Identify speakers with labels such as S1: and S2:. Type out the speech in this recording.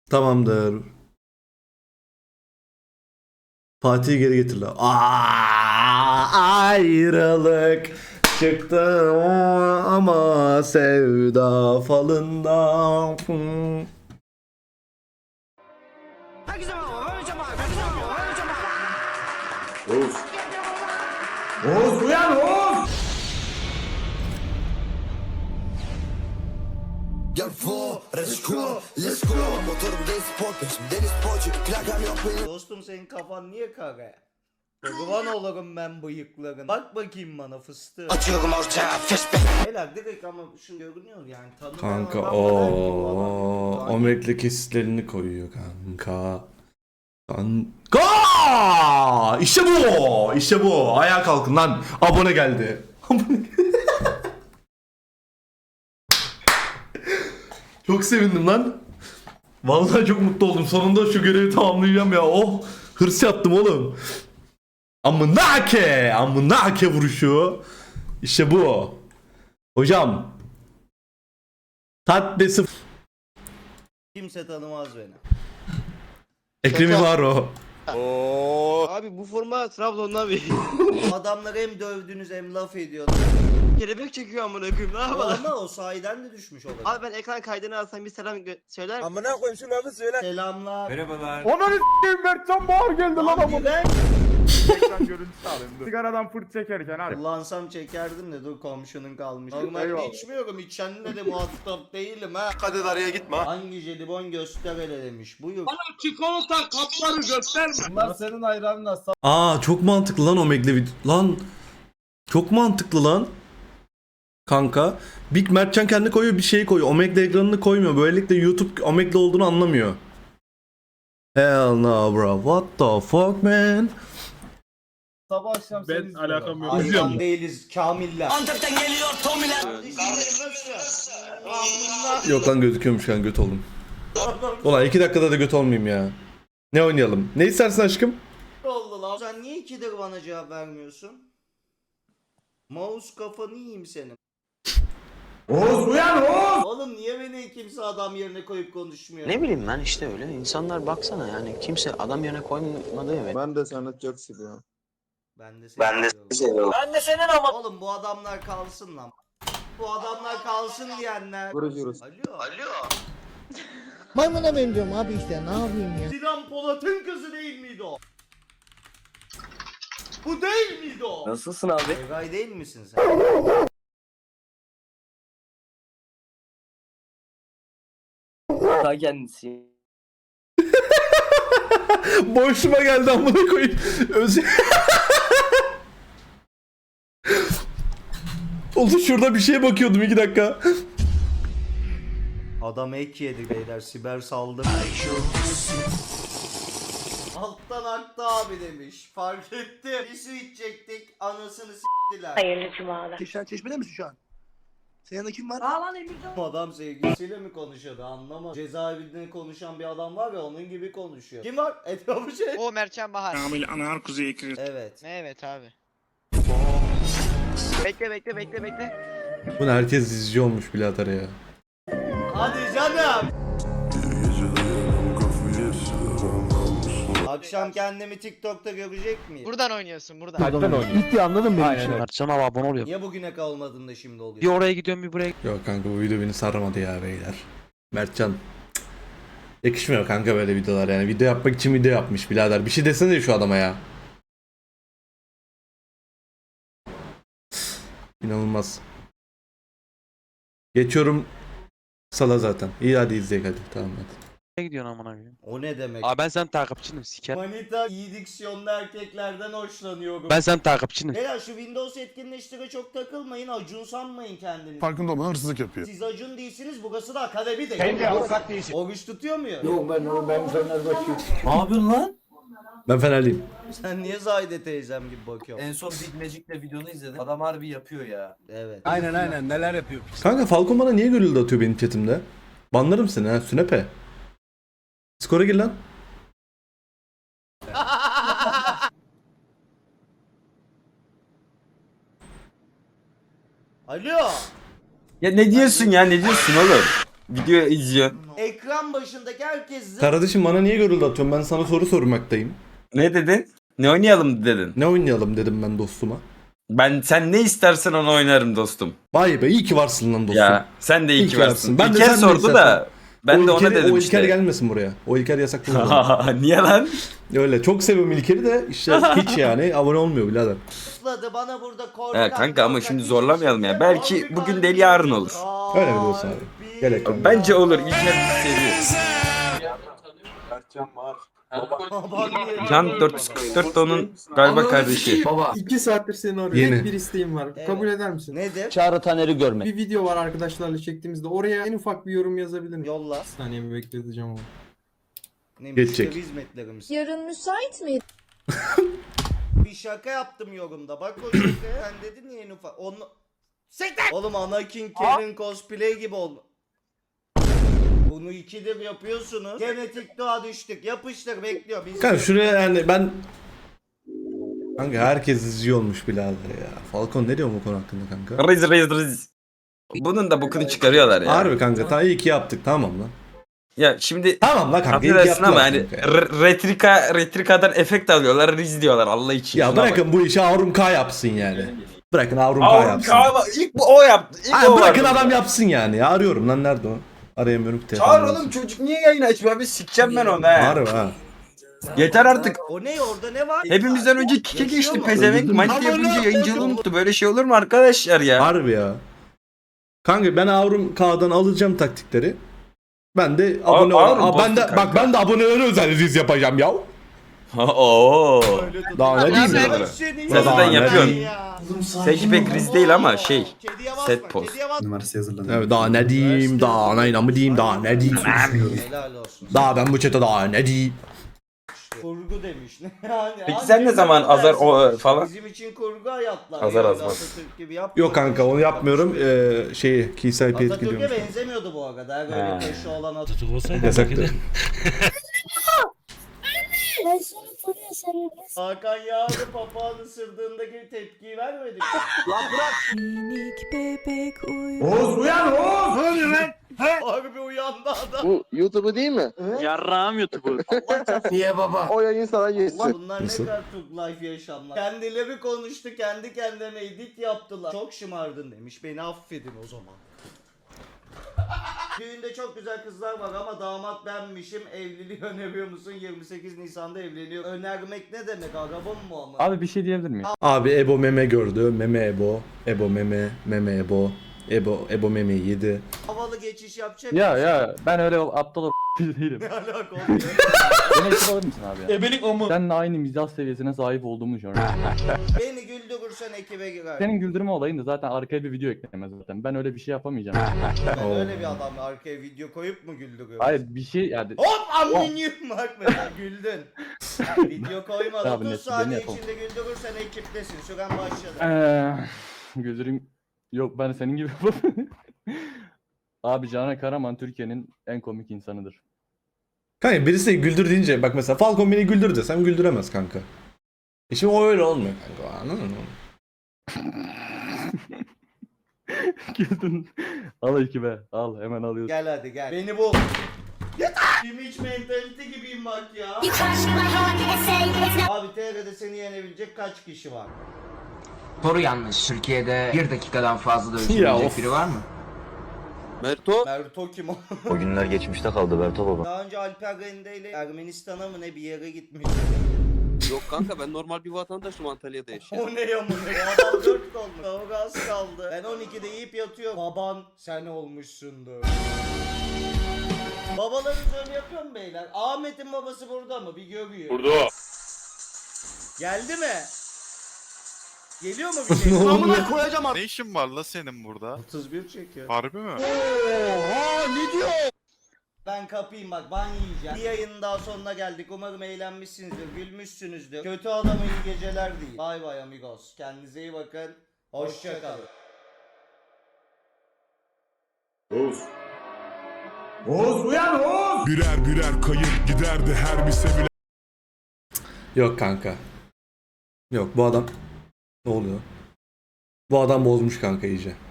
S1: Tamamdır. Fatih'i geri getir la. Ayrılık çıktı ama sevda falında. Oğuz. Oğuz uyan Oğuz.
S2: Gel for, let's go, let's go. Motorum değil spor peşim, deniz sporcu, plakam yok benim.
S3: Dostum senin kafan niye kara? Kurban olurum ben bıyıkların. Bak bakayım bana fıstığı.
S2: Atıyorum ortaya, flashback.
S3: Helal direkt ama şu görünüyor yani. Tanımayan
S1: Kanka
S3: adam
S1: o
S3: bana bu adam.
S1: omletle kesitlerini koyuyor kanka. Kanka! İşte bu! İşte bu! Ayağa kalkın lan. Abone geldi. Çok sevindim lan. Vallahi çok mutlu oldum. Sonunda şu görevi tamamlayacağım ya. Oh! Hırs yaptım oğlum. Amınake! Amınake vuruşu. İşte bu. Hocam. Tatlesi.
S3: Kimse tanımaz beni.
S1: Ekrem İmaro.
S4: Abi bu forma Trabzon'dan bir
S3: Adamları hem dövdünüz hem laf ediyorsunuz.
S4: kelebek çekiyor amına koyayım ne yapalım?
S3: Ama o sahiden de düşmüş olabilir.
S4: Abi ben ekran kaydını alsam bir selam söyler misin?
S2: Amına koyayım şu lafı söyle.
S3: Selamlar.
S5: Onun s**eyim Mertcan Bağır geldi lan
S3: Lan
S5: ama.
S3: Gülen.
S5: Ekran görüntüsü alayım dur. Sigaradan fırt çekerken abi.
S3: Kullansam çekerdim de dur komşunun kalmış. Normalde
S5: Eyvallah.
S3: içmiyorum, içenle de muhatap değilim ha.
S2: Kadir araya gitme.
S3: Hangi jelibon göster hele demiş. Buyur.
S5: Bunlar senin ayranına
S1: Aa çok mantıklı lan Omegle'le video. Lan çok mantıklı lan. Kanka. Big Mertcan kendi koyuyor bir şey koyuyor. Omegle ekranını koymuyor. Böylelikle YouTube Omegle olduğunu anlamıyor. Hell no bro. What the fuck man?
S5: sabah akşam seni
S6: Ben alakam yok.
S3: Hayvan değiliz Kamiller.
S2: Antep'ten geliyor Tomiler.
S1: Yok lan gözüküyormuş kan göt oldum. Ulan 2 dakikada da göt olmayayım ya. Ne oynayalım? Ne istersin aşkım?
S3: Oldu lan. Sen niye ikidir bana cevap vermiyorsun? Mouse kafanı yiyeyim senin.
S5: Oğuz uyan Oğuz.
S3: Oğlum niye beni kimse adam yerine koyup konuşmuyor?
S7: Ne bileyim ben işte öyle. İnsanlar baksana yani kimse adam yerine koymadı ya.
S8: Ben de seni çok seviyorum.
S3: Ben de seni
S2: seviyorum.
S3: Ben de senin ama. Oğlum bu adamlar kalsın lan. Bu adamlar kalsın diyenler.
S8: Görüşürüz.
S3: Alo.
S9: Maymuna benziyorum abi işte ne yapayım ya.
S3: Sinan Polat'ın kızı değil miydi o? Bu değil miydi o?
S4: Nasılsın abi?
S3: Egay değil misin sen?
S4: Ta kendisi.
S1: Boşuma geldi amına koyayım. Oldu şurada bir şeye bakıyordum 2 dakika.
S3: Adam ek yedi beyler, siber saldırı. Alttan aktı abi demiş. Fark ettim. Bir su içecektik, anasını s**tiler.
S9: Hayırlı cumalar.
S2: Çeşmede misin şu an? Senin yanında kim var?
S3: Bu adam sevgilisiyle mi konuşuyordu anlamadım. Cezaevinde konuşan bir adam var ya onun gibi konuşuyor. Kim var? Etrafı şey.
S6: O Mertcan Bahar.
S3: Evet.
S6: Evet abi.
S4: Bekle.
S1: Bunu herkes izliyormuş birader ya.
S3: Hadi canım. Akşam kendimi TikTok'ta görecek miyim?
S6: Buradan oynuyorsun buradan.
S5: İlk anladın beni şimdi.
S7: Mertcan abi abone oluyor.
S3: Niye bugüne kalmadın da şimdi
S7: Bir
S3: oluyor?
S7: oraya gidiyorum bir buraya.
S1: Yok kanka bu video beni sarmadı ya beyler. Mertcan. Cık. Yakışmıyor kanka böyle videolar yani. Video yapmak için video yapmış birader. Bir şey desene şu adama ya. İnanılmaz. Geçiyorum sala zaten. İyi hadi izleyelim hadi. Tamam hadi.
S7: Nereye gidiyorsun amına koyayım?
S3: O ne demek?
S7: Abi ben senin takipçinim siker.
S3: Manita iyi diksiyonlu erkeklerden hoşlanıyorum.
S7: Ben senin takipçinim.
S3: Beyler şu Windows etkinleştire çok takılmayın. Acun sanmayın kendinizi.
S8: Farkında olmadan hırsızlık yapıyor.
S3: Siz Acun değilsiniz, burası da akademi değil.
S5: avukat değilsin.
S3: Oruç tutuyor muyum?
S5: Yok ben Fenerbahçe'yim.
S8: Ne yapıyorsun lan?
S1: Ben Fenerliyim.
S3: Sen niye Zahide teyzem gibi bakıyorsun?
S10: En son Big Magic'le videonu izledim. Adam harbi yapıyor ya.
S3: Evet.
S5: Aynen neler yapıyor.
S1: Kanka Falcon bana niye görüldü atıyor benim chatimde? Banlarım seni ha sünepe. Skora gir lan.
S3: Alo.
S10: Ya ne diyorsun ya ne diyorsun oğlum?
S11: video izliyor.
S3: Ekran başındaki herkes
S1: Kardeşim bana niye görüldü atıyorsun? Ben sana soru sormaktayım.
S11: Ne dedin? Ne oynayalım dedin.
S1: Ne oynayalım dedim ben dostuma.
S11: Sen ne istersen onu oynarım dostum.
S1: Vay be iyi ki varsın lan dostum.
S11: Ya sen de iyi
S1: İyi
S11: ki
S1: ki
S11: varsın.
S1: varsın. Ben de
S11: İlker
S1: sen de
S11: sordu
S1: istersen.
S11: da ben de ona dedim
S1: O
S11: işte.
S1: İlker gelmesin buraya. O İlker yasaklı. burada.
S11: Niye lan?
S1: Öyle çok seviyorum İlker'i de işte hiç yani abone olmuyor birader.
S3: zıpladı bana burada korkak.
S11: Ya kanka ama
S3: korkak
S11: şimdi
S3: hiçbir
S11: zorlamayalım ya.
S3: şey
S11: Belki
S3: yok.
S11: bugün değil yarın olur.
S1: Öyle mi diyorsun abi? Gerek yok.
S11: Bence olur. İlker bizi seviyor. Can 444 de onun galiba kardeşi.
S8: Baba 2 saattir seni arıyorum.
S1: Yeni.
S8: Tek bir isteğim var.
S3: Evet.
S8: Kabul eder misin?
S3: Nedir?
S7: Çağrı Taner'i görmek.
S8: Bir video var arkadaşlarla çektiğimizde. Oraya en ufak bir yorum yazabilir miyim?
S3: Yolla.
S8: Bir saniye bir bekleteceğim ama.
S3: Ne
S1: Geçecek.
S3: müşteri hizmetlerimiz.
S12: Yarın müsait miydin?
S3: Bir şaka yaptım yorumda. Bak o şakaya. Sen dedin ya en ufak. Onu... Siktir! Oğlum Anakin Kevin cosplay gibi oldu. Bunu ikidir yapıyorsunuz. Genetik doğa düştük. Yapıştır bekliyor. Biz
S1: Kanka şuraya yani ben... Kanka herkes izliyor olmuş birader ya. Falcon ne diyor bu konu hakkında kanka?
S11: Riz. Bunun da bokunu çıkarıyorlar ya.
S1: Harbi kanka ta iyi ki yaptık tamam lan.
S11: Ya şimdi
S1: Tamam lan kanka iyi ki
S11: affedersin ama
S1: yaptılar
S11: hani
S1: kanka.
S11: Retrika'dan efekt alıyorlar, Riz diyorlar Allah için.
S1: Ya
S11: Şuna
S1: bırakın bu işi Avrum K yapsın yani. Bırakın Avrum K
S11: bak.
S1: yapsın.
S11: İlk o yaptı. İlk
S1: Ha,
S11: o
S1: bırakın
S11: vardı.
S1: adam yapsın yani. Ya arıyorum lan nerede o? Arayamıyorum ki
S11: Çağır oğlum çocuk niye yayın açmıyor? Bir sikeceğim ben onu he.
S1: Harbi ha.
S11: Yeter artık.
S3: O ne orada ne var?
S11: Hepimizden önce kike
S3: Yaşıyor
S11: geçti
S3: mu?
S11: pezevenk. Manita yapınca yayıncılığı unuttu. Böyle şey olur mu arkadaşlar ya?
S1: Harbi ya. Kanka ben Avrum K'dan alacağım taktikleri. Ben de abone
S11: Avrum
S1: ol. Ben de
S11: bozdu
S1: bak
S11: kanka.
S1: ben de abonelere özel riz yapacağım ya.
S11: Oo.
S1: Daha ne diyeyim
S11: Sen
S1: ya?
S3: Sen
S11: zaten yapıyorsun. Seninki pek Riz değil ama şey. Set poz.
S8: Numarası yazıladı.
S1: Evet daha ne diyeyim daha ne mı diyeyim daha ne diyeyim.
S3: Helal olsun.
S1: Daha ben bu çete daha ne diyeyim.
S3: Kurgu demiş. Yani
S11: Peki
S3: hangi
S11: sen ne zaman
S3: kurgu
S11: azar
S3: dersin?
S11: o falan?
S3: Bizim için kurgu hayatlar.
S11: Azar
S3: yani
S11: azmaz.
S3: Atatürk gibi yapma.
S1: Yok kanka onu yapmıyorum. Şeyi Kisay Piyet
S3: Atatürk'e
S1: gidiyorum.
S3: benzemiyordu bu arada. Her
S11: He.
S3: böyle peşi olan Atatürk.
S1: Yasaktı.
S12: Ben seni soruyorum sen.
S3: Hakan Yağlı papağan ısırdığındaki tepkiyi vermedik.
S12: Minik bebek
S8: Oğuz uyan Oğuz! Ne oluyor lan?
S3: Harbi uyandı adam.
S4: Bu YouTube'u değil mi?
S7: Yarrağım YouTube'u.
S8: Niye baba?
S4: O yayın sana geçsin.
S3: Bunlar
S1: Nasıl?
S3: ne kadar Türk life yaşamlar. Kendileri konuştu, kendi kendilerine edit yaptılar. Çok şımardın demiş, beni affedin o zaman. Düğünde çok güzel kızlar var ama damat benmişim. Evliliği öneriyor musun? 28 Nisan'da evleniyor. Önermek ne demek? Araba mı bu ama?
S10: Abi bir şey diyebilir miyim?
S1: Abi Ebo meme gördü. Meme Ebo. Ebo meme. Meme Ebo. Ebo memeyi yedi.
S3: Havalı geçiş yapacak
S10: Ya
S3: mısın?
S10: ya ben öyle aptal değilim.
S3: Ne alaka oluyor?
S10: Beni ekip alır mısın abi ya? Ebelik o mu? Seninle aynı mizah seviyesine sahip olduğumu düşünüyorum.
S3: Beni güldürürsen ekibe girer.
S10: Senin güldürme olayın da zaten arkaya bir video eklemez zaten. Ben öyle bir şey yapamayacağım.
S3: Ben öyle bir adam arkaya video koyup mu güldürüyorum?
S10: Hayır bir şey yani
S3: Hop aminyum bak mesela güldün. Video koymadı.
S10: Abi
S3: 30
S10: neyse,
S3: saniye
S10: beni yapalım.
S3: içinde güldürürsen ekiptesin. Süren başladı.
S10: güldürüm yok ben senin gibi yapamıyorum. Abi Canan Karaman Türkiye'nin en komik insanıdır.
S1: Kanka birisi güldür deyince bak mesela Falcon beni güldür desem güldüremez kanka. Şimdi o öyle olmuyor kanka anladın mı?
S10: Güldün. Al ekibe al hemen alıyorsun.
S3: Gel hadi gel. Beni bul. Yeter. Image mentality gibiyim bak ya. Abi TR'de seni yenebilecek kaç kişi var?
S7: Soru yanlış. Türkiye'de 1 dakikadan fazla da
S1: Ya of.
S7: biri var mı?
S4: Merto.
S3: Merto kim o?
S7: O günler geçmişte kaldı Berto baba.
S3: Daha önce Alper Rende ile Ermenistan'a mı ne bir yere gitmiş.
S4: Yok kanka ben normal bir vatandaşım Antalya'da yaşayan.
S3: O ne yamını ya? Adam 4 olmuş. Kavga az kaldı. Ben 12'de yiyip yatıyorum. Baban sen olmuşsundur. Babalarınız öyle yapıyor mu beyler? Ahmet'in babası burada mı? Bir görüyor.
S5: Burada.
S3: Geldi mi? Geliyor mu bir şey?
S1: Ne oldu?
S3: Amına koyacağım
S5: Ne işin var la senin burada?
S3: 31 çekiyor.
S5: Harbi mi?
S3: Ben kapayım bak ban yiyeceğim. Bir yayının daha sonuna geldik. Umarım eğlenmişsinizdir, gülmüşsünüzdür. Kötü adama iyi geceler değil. Bay bay amigos. Kendinize iyi bakın. Hoşça kalın.
S8: Oğuz uyan Oğuz! Birer birer kayıp giderdi her bir sevilen.
S1: Yok kanka. Yok bu adam. Ne oluyor? Bu adam bozmuş kanka iyice.